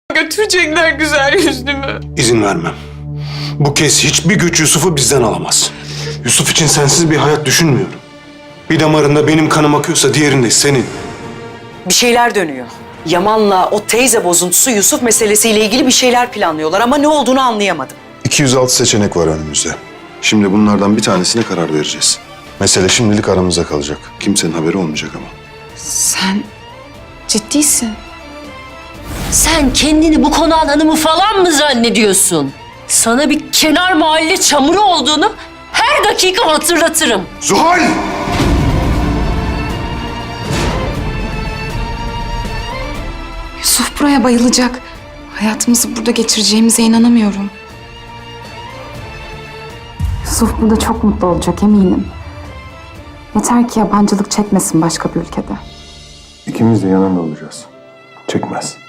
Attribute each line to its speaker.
Speaker 1: Götürecekler güzel yüzlümü.
Speaker 2: İzin vermem. Bu kez hiçbir güç Yusuf'u bizden alamaz. Yusuf için sensiz bir hayat düşünmüyorum. Bir damarında benim kanım akıyorsa diğerinde senin.
Speaker 3: Bir şeyler dönüyor. Yaman'la o teyze bozuntusu Yusuf meselesiyle ilgili bir şeyler planlıyorlar ama ne olduğunu anlayamadım.
Speaker 4: 206 seçenek var önümüzde. Şimdi bunlardan bir tanesine karar vereceğiz. Mesele şimdilik aramızda kalacak. Kimsenin haberi olmayacak ama.
Speaker 1: Sen ciddisin.
Speaker 5: Sen kendini bu konağın hanımı falan mı zannediyorsun? Sana bir kenar mahalle çamuru olduğunu her dakika hatırlatırım.
Speaker 4: Zuhal!
Speaker 1: Yusuf buraya bayılacak. Hayatımızı burada geçireceğimize inanamıyorum.
Speaker 6: Yusuf burada çok mutlu olacak eminim. Yeter ki yabancılık çekmesin başka bir ülkede.
Speaker 4: İkimiz de yanında olacağız. Çekmez.